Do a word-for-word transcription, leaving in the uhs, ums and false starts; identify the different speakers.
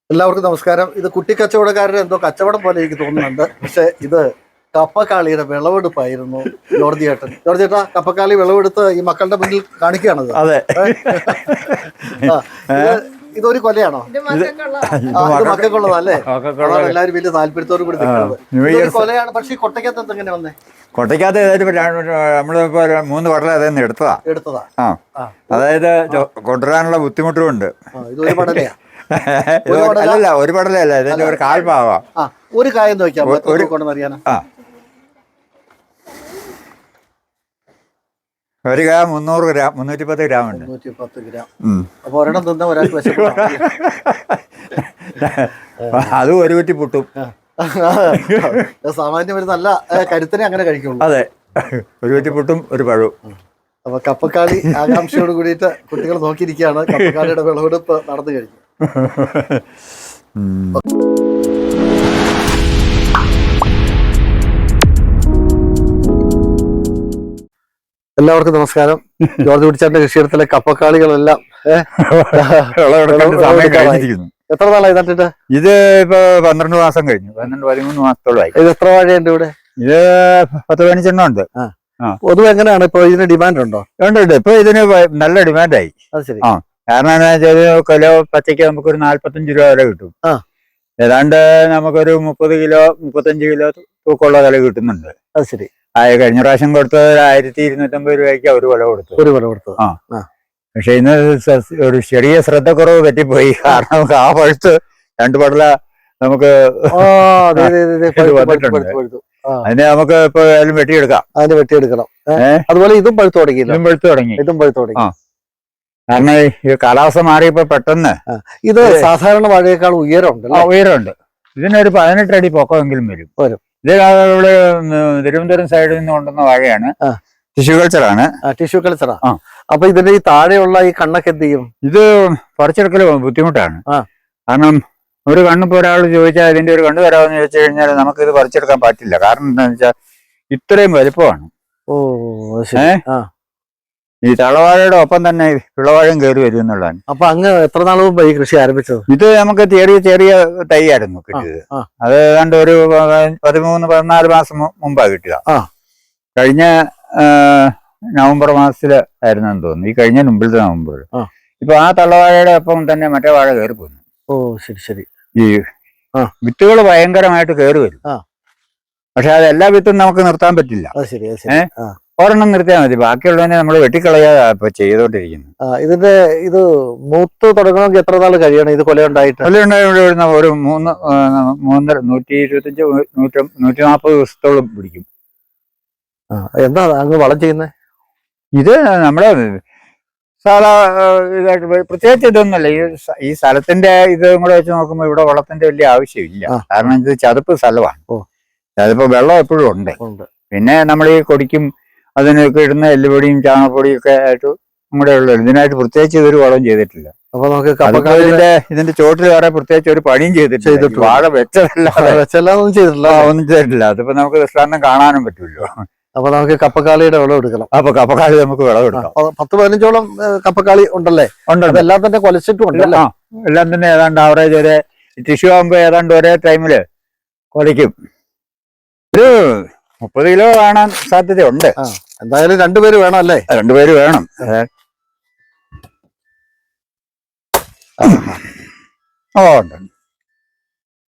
Speaker 1: എല്ലാവർക്കും നമസ്കാരം. ഇത് കുട്ടിക്കച്ചവടക്കാരുടെ എന്തോ കച്ചവടം പോലെ എനിക്ക് തോന്നുന്നുണ്ട്. പക്ഷെ ഇത് കപ്പക്കാളിയുടെ വിളവെടുപ്പായിരുന്നു. ജോർജ് ചേട്ടൻ ജോർജ് ചേട്ടാ കപ്പക്കാളി വിളവെടുത്ത് ഈ മക്കളുടെ മുന്നിൽ കാണിക്കുകയാണത്.
Speaker 2: അതെ.
Speaker 1: ഇതൊരു കൊലയാണോ? മക്കൾക്കുള്ളതല്ലേ? എല്ലാവരും വലിയ താല്പര്യത്തോടു കൂടി നിൽക്കുന്നത് കൊലയാണ്. പക്ഷെ ഈ കൊട്ടയ്ക്കകത്ത് എങ്ങനെ വന്നേ?
Speaker 2: കൊട്ടയ്ക്കകത്ത് നമ്മളിപ്പോ മൂന്ന് പടല അതെന്ന് എടുത്തതാ എടുത്തതാ ആ അതായത് കൊണ്ടുവരാനുള്ള ബുദ്ധിമുട്ടും ഉണ്ട്.
Speaker 1: ഇതൊരു പടലയാ?
Speaker 2: അല്ലല്ല, ഒരു പടലല്ല, ഇതിന്റെ ഒരു കാൽഭാഗം.
Speaker 1: ഒരു കായം നോക്കിയാൽ
Speaker 2: ഒരു കായ മുന്നൂറ് ഗ്രാം മുന്നൂറ്റി പത്ത് ഗ്രാം ഉണ്ട്.
Speaker 1: മുന്നൂറ്റി പത്ത് ഗ്രാം. അപ്പൊ ഒരെണ്ണം തിന്ന ഒരാൾക്ക്
Speaker 2: അത് ഒരു കുറ്റി പുട്ടും.
Speaker 1: സാമാന്യം ഒരു നല്ല കരുത്തിനെ അങ്ങനെ കഴിക്കുള്ളൂ.
Speaker 2: അതെ, ഒരു കുറ്റി പുട്ടും ഒരു പഴവും.
Speaker 1: അപ്പൊ കപ്പക്കാളി ആകാംക്ഷയോട് കൂടിയിട്ട് കുട്ടികൾ നോക്കിയിരിക്കുകയാണ്. കപ്പക്കാളിയുടെ വിളവെടുപ്പ് നടന്നു കഴിഞ്ഞു. എല്ലാവർക്കും നമസ്കാരം. ജോർജ് കുട്ടിച്ചാന്റെ കൃഷിയിടത്തിലെ കപ്പക്കാളികളെല്ലാം എത്ര നാളായി നട്ടിട്ട്?
Speaker 2: ഇത് ഇപ്പൊ പന്ത്രണ്ട് മാസം കഴിഞ്ഞു. പന്ത്രണ്ട് പതിമൂന്ന് മാസത്തോളമായി.
Speaker 1: ഇത് എത്ര വാഴയുണ്ട് ഇവിടെ?
Speaker 2: ഇത് പത്ത് പതിനഞ്ചെണ്ണം ഉണ്ട്.
Speaker 1: പൊതുവെ എങ്ങനെയാണ് ഇപ്പൊ ഇതിന് ഡിമാൻഡ് ഉണ്ടോ?
Speaker 2: ഉണ്ട് ഉണ്ട്. ഇപ്പൊ ഇതിന് നല്ല ഡിമാൻഡായി.
Speaker 1: അത് ശരി.
Speaker 2: ആ കാരണം എന്താ വെച്ചാൽ കിലോ പച്ചയ്ക്ക് നമുക്കൊരു നാല്പത്തഞ്ച് രൂപ വില കിട്ടും. ഏതാണ്ട് നമുക്കൊരു മുപ്പത് കിലോ മുപ്പത്തഞ്ച് കിലോ തൂക്കമുള്ള വില കിട്ടുന്നുണ്ട്.
Speaker 1: അത് ശരി.
Speaker 2: ആ കഴിഞ്ഞ പ്രാവശ്യം കൊടുത്തത് ഒരു ആയിരത്തി ഇരുന്നൂറ്റമ്പത് രൂപയ്ക്ക് ഒരു വില കൊടുത്തു.
Speaker 1: ഒരു വില കൊടുത്തു.
Speaker 2: ആ പക്ഷെ ഇന്ന് ഒരു ചെറിയ ശ്രദ്ധക്കുറവ് പറ്റിപ്പോയി. കാരണം ആ പഴുത്ത് രണ്ട് പടല നമുക്ക് വന്നിട്ടുണ്ട്. അതിനെ നമുക്ക് ഇപ്പൊ വെട്ടിയെടുക്കാം.
Speaker 1: അതിന് വെട്ടിയെടുക്കണം. അതുപോലെ ഇതും പഴുത്തു തുടങ്ങി.
Speaker 2: ഇതും പഴുത്തു തുടങ്ങി.
Speaker 1: ഇതും പഴുത്തു തുടങ്ങി.
Speaker 2: കാരണം ഈ കാലാവസ്ഥ മാറിയപ്പോ പെട്ടെന്ന്
Speaker 1: ഇത് സാധാരണ വാഴയേക്കാൾ ഉയരമുണ്ട്.
Speaker 2: ഉയരമുണ്ട്. ഇതിനൊരു പതിനെട്ട് അടി പൊക്കമെങ്കിലും വരും. ഇത് ഇവിടെ തിരുവനന്തപുരം സൈഡിൽ നിന്ന് കൊണ്ടുവന്ന വാഴയാണ്. ടിഷ്യൂ കൾച്ചറാണ്.
Speaker 1: ടിഷ്യൂ കൾച്ചറാ. അപ്പൊ ഇതിന്റെ ഈ താഴെയുള്ള ഈ കണ്ണൊക്കെ എന്ത് ചെയ്യും?
Speaker 2: ഇത് പറിച്ചെടുക്കൽ ബുദ്ധിമുട്ടാണ്. കാരണം ഒരു കണ്ണിപ്പോ ഒരാൾ ചോദിച്ചാൽ ഇതിന്റെ ഒരു കണ്ണ് തരാമെന്ന് ചോദിച്ചു കഴിഞ്ഞാൽ നമുക്ക് ഇത് പറിച്ചെടുക്കാൻ പറ്റില്ല. കാരണം എന്താണെന്ന് വെച്ചാൽ ഇത്രയും വലുപ്പമാണ്.
Speaker 1: ഓ
Speaker 2: ഏഹ് ഈ തളവാഴയുടെ ഒപ്പം തന്നെ വിളവാഴം കയറി വരും എന്നുള്ളതാണ്.
Speaker 1: അപ്പൊ അങ്ങ് എത്ര നാൾ മുമ്പ് ഈ കൃഷി ആരംഭിച്ചത്?
Speaker 2: ഇത് നമുക്ക് ചെറിയ ചെറിയ തൈയായിരുന്നു കിട്ടിയത്. അത് ഏതാണ്ട് ഒരു പതിമൂന്ന് പതിനാല് മാസം മുമ്പാ കിട്ടുക. കഴിഞ്ഞ നവംബർ മാസത്തില് ആയിരുന്നെന്ന് തോന്നുന്നു. ഈ കഴിഞ്ഞ മുമ്പിലത്തെ നവംബർ. ഇപ്പൊ ആ തള്ളവാഴയുടെ ഒപ്പം തന്നെ മറ്റേ വാഴ കയറി പോന്നു.
Speaker 1: ഓ ശരി ശരി.
Speaker 2: ഈ വിത്തുകൾ ഭയങ്കരമായിട്ട് കയറി വരും. പക്ഷെ അത് എല്ലാ വിത്തും നമുക്ക് നിർത്താൻ പറ്റില്ല. ഏഹ് ഒരെണ്ണം നിർത്തിയാൽ മതി. ബാക്കിയുള്ളതിനെ നമ്മൾ വെട്ടിക്കളയാ ഇപ്പൊ ചെയ്തോണ്ടിരിക്കുന്നു.
Speaker 1: ഇതിന്റെ ഇത് മൂത്ത് തുടങ്ങണമെങ്കിൽ എത്ര നാൾ കഴിയണം ഇത് കൊലയുണ്ടായിട്ട്?
Speaker 2: കൊലയുണ്ടായി ഒരു മൂന്ന് മൂന്നര നൂറ്റി ഇരുപത്തഞ്ച് നൂറ്റി നൂറ്റി നാൽപ്പത് ദിവസത്തോളം പിടിക്കും.
Speaker 1: എന്താ അങ്ങ് വളം ചെയ്യുന്നത്?
Speaker 2: ഇത് നമ്മുടെ സാധാ ഇതായിട്ട് പ്രത്യേകിച്ച് ഇതൊന്നുമല്ല. ഈ ഈ സ്ഥലത്തിന്റെ ഇത് കൂടെ വെച്ച് നോക്കുമ്പോൾ ഇവിടെ വളത്തിന്റെ വലിയ ആവശ്യമില്ല. കാരണം ഇത് ചതുപ്പ് സ്ഥലമാണ്. ചതുപ്പ് വെള്ളം എപ്പോഴും ഉണ്ട്. പിന്നെ നമ്മൾ ഈ കൊടിക്കും അതിനൊക്കെ ഇടുന്ന എല്ലുപൊടിയും ചാണകപ്പൊടിയും ഒക്കെ ആയിട്ട് നമ്മുടെ ഉള്ളത്. ഇതിനായിട്ട് പ്രത്യേകിച്ച് ഇതൊരു വളം ചെയ്തിട്ടില്ല.
Speaker 1: അപ്പൊ നമുക്ക്
Speaker 2: ഇതിന്റെ ഇതിന്റെ ചോട്ടിൽ വേറെ പ്രത്യേകിച്ച് ഒരു പണിയും ചെയ്തിട്ടില്ല. വാഴ വെച്ചതല്ല
Speaker 1: വെച്ചെല്ലാം ചെയ്തിട്ടില്ല.
Speaker 2: ഒന്നും ചെയ്തിട്ടില്ല. അതിപ്പോ നമുക്ക് ദൃഷ്ടാന്തം കാണാനും പറ്റുമല്ലോ.
Speaker 1: അപ്പൊ നമുക്ക് കപ്പക്കാളിയുടെ വിളം എടുക്കണം.
Speaker 2: അപ്പൊ കപ്പക്കാളി നമുക്ക് വിളവെടുക്കാം.
Speaker 1: പത്ത് പതിനഞ്ചോളം കപ്പക്കാളി ഉണ്ടല്ലേ?
Speaker 2: ഉണ്ട്.
Speaker 1: എല്ലാം തന്നെ കൊലച്ചിട്ടും ഉണ്ടല്ലോ.
Speaker 2: എല്ലാം തന്നെ ഏതാണ്ട് ആവറേജ് ഒരേ ടിഷ്യൂ ആകുമ്പോ ഏതാണ്ട് ഒരേ ടൈമില് കൊലയ്ക്കും. ഒരു മുപ്പത് കിലോ കാണാൻ സാധ്യതയുണ്ട്.
Speaker 1: എന്തായാലും രണ്ടുപേര് വേണം അല്ലേ?
Speaker 2: രണ്ടുപേര് വേണം. ഓ ഉണ്ട്.